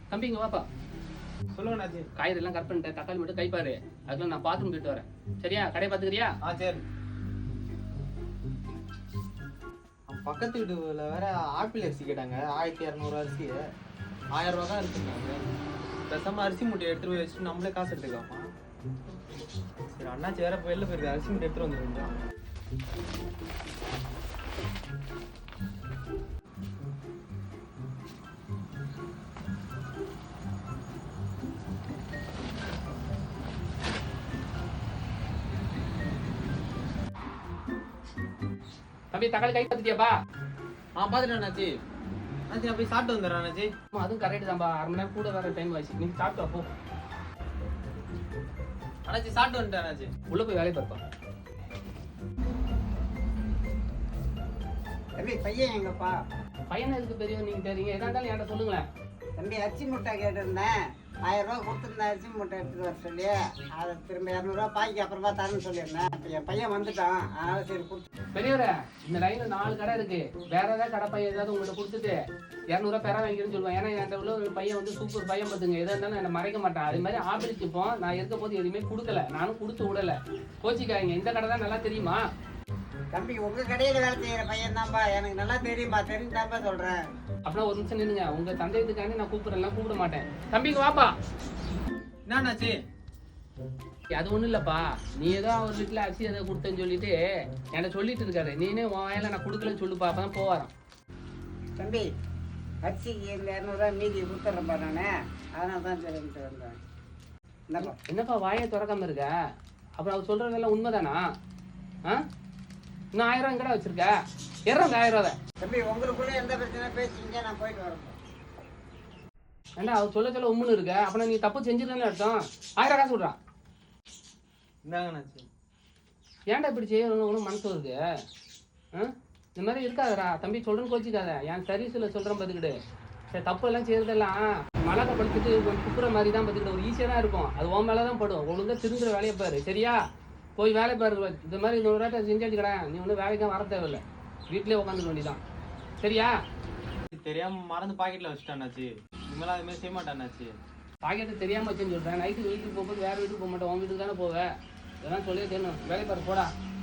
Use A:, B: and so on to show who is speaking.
A: தம்பி இங்க வாப்பா.
B: சொல்லுங்க அண்ணாச்சி.
A: காய்கறி எல்லாம் கட் பண்ணிட்டேன், தக்காளி மட்டும் கைப்பாரு. அதுக்குள்ள நான் பாத்ரூம் போயிட்டு வரேன். சரியா? கடையை பாத்துக்கிறியா?
B: சரி. பக்கத்து வீட்டுல வேற ஆப்பிள் அரிசி கேட்டாங்க. 1200 அரிசி 1000 ரூபா தான் இருக்குங்க. பேசாம அரிசி மூட்டை எடுத்துட்டு போய் வச்சுட்டு நம்மளே காசு எடுத்துக்கலாமா? சரி அண்ணாச்சி வேற வெளில போயிருக்கு, அரிசி மூட்டை எடுத்துட்டு வந்துருக்கோம்.
A: தம்பி தக்காளி கை பார்த்துட்டியாப்பா?
B: பாத்துட்டேன் அண்ணாச்சி. அண்ணாச்சி நான் போய் சாப்பிட்டு வந்துடுறேன் அண்ணாச்சி.
A: அதுவும் கரெக்ட் தான்ப்பா. 1/2 மணி நேரம் கூட வேற டைம் ஆச்சு. நீங்க சாப்பிட்டு வா போ.
B: அண்ணாச்சி சாப்பிட்டு வந்துட்டேன் அண்ணாச்சி.
A: உள்ள போய் வேலையை பார்ப்போம்.
C: தம்பி பையன் எங்கப்பா?
A: பையன் எதுக்கு பெரியவன் நீங்க தெரியுங்க? எதா இருந்தாலும் என்கிட்ட சொல்லுங்களேன்.
C: தம்பி அரிசி மூட்டை கேட்டிருந்தேன். 1000 ரூபா கொடுத்துருந்தேன் அரிசி மூட்டை எடுத்துட்டு வர சொல்லி. அதை திரும்ப 200 ரூபா பாய்க்கு அப்புறமா தரேன்னு சொல்லியிருந்தேன். இப்போ என் பையன் வந்துட்டான், அதனால சரி கொடுத்து.
A: பெரியவரே, இந்த லைன்ல 4 கடை இருக்கு. வேற ஏதாவது கடை பையன் ஏதாவது உங்கள்கிட்ட கொடுத்துட்டு 200 ரூபா பெற வாங்கிக்கிறேன்னு சொல்லுவேன். ஏன்னா என்கிட்ட உள்ள ஒரு பையன் வந்து சூப்பர் பையன் பார்த்துங்க. எதா இருந்தாலும் என்னை மறைக்க மாட்டான். அதே மாதிரி ஆப்பிள் சிப்போம் நான் இருக்க போது எதுவுமே கொடுக்கல, நானும் கொடுத்து விடல. கோச்சிக்காங்க. இந்த கடை தான் நல்லா தெரியுமா?
C: தம்பி உங்க கடையில் வேலை செய்கிற பையன் தான்ப்பா, எனக்கு நல்லா தெரியும்பா, தெரிஞ்சுதான்ப்பா சொல்கிறேன்.
A: அப்படின்னா ஒரு நிமிஷம் நின்னுங்க. உங்க சந்தேகத்துக்காண்டி நான் கூப்பிடலாம், கூப்பிட மாட்டேன். தம்பிக்கு வாப்பா.
B: என்ன அண்ணாச்சி?
A: அது ஒண்ணும் இல்லப்பா, நீ ஏதோ அவர் வீட்டுல அரிசி எதை கொடுத்தேன்னு சொல்லிட்டு என்கிட்ட சொல்லிட்டு இருக்காரு. நீனே உன் வாயில நான் கொடுக்கலன்னு சொல்லுப்பா, அப்பதான் போவாராம்.
C: தம்பி அரிசிக்கு இந்த 200 ரூபா மீதி கொடுத்துட்றேன்ப்பா நான், அதனால தான் சரின்ட்டு வந்தேன். என்னப்பா
A: என்னப்பா வாயை திறக்காம இருக்க? அப்புறம் அவர் சொல்றதெல்லாம் உண்மைதானா? இன்னும் 1000 ரூபா கடை வச்சிருக்க, ஏறாங்க 1000 ரூபா.
C: தம்பி உங்களுக்குள்ள எந்த பிரச்சனை பேசிங்க, நான் போயிட்டு வரேன்.
A: ஏன்னா அவர் சொல்ல உண்மைன்னு இருக்க, அப்படின்னா நீ தப்பு செஞ்சிருக்கேன்னு அர்த்தம். 1000 காசு விட்றான்.
B: இந்தாங்க அண்ணாச்சி.
A: ஏன்டா இப்படி செய்யணும் மனசு வருது? இந்த மாதிரி இருக்காதடா தம்பி, சொல்றேன்னு கோச்சிக்காத. என் சர்வீஸில் சொல்கிறேன் பார்த்துக்கிட்டு. சரி தப்பு எல்லாம் செய்யறதெல்லாம் மழை படுத்துட்டு குப்புற மாதிரி தான் பார்த்துக்கிட்டு. ஒரு ஈஸியாக தான் இருக்கும், அது உன் மேலே தான் படும். ஒழுங்கா திருந்துற வேலையை பாரு. சரியா? போய் வேலை பாரு. இந்த மாதிரி 100 ரூபா செஞ்சாச்சு கடை, நீ ஒன்றும் வேலைக்கும் வர தேவையில்லை, வீட்டிலே உட்காந்துக்க வேண்டியதான். சரியா?
B: தெரியாம மறந்து பாக்கெட்ல வச்சுட்டேன் அண்ணாச்சி. இனிமேல் அது மாதிரி செய்ய மாட்டேன் அண்ணாச்சி.
A: பாக்கெட்டு தெரியாம வச்சுன்னு சொல்கிறேன். நைட்டு வீட்டுக்கு போகும்போது வேறு வீட்டுக்கு போக மாட்டேன், உன் வீட்டுக்கு தானே போவேன். இதெல்லாம் சொல்லியே தெரியணும். வேலை பாரு போடா.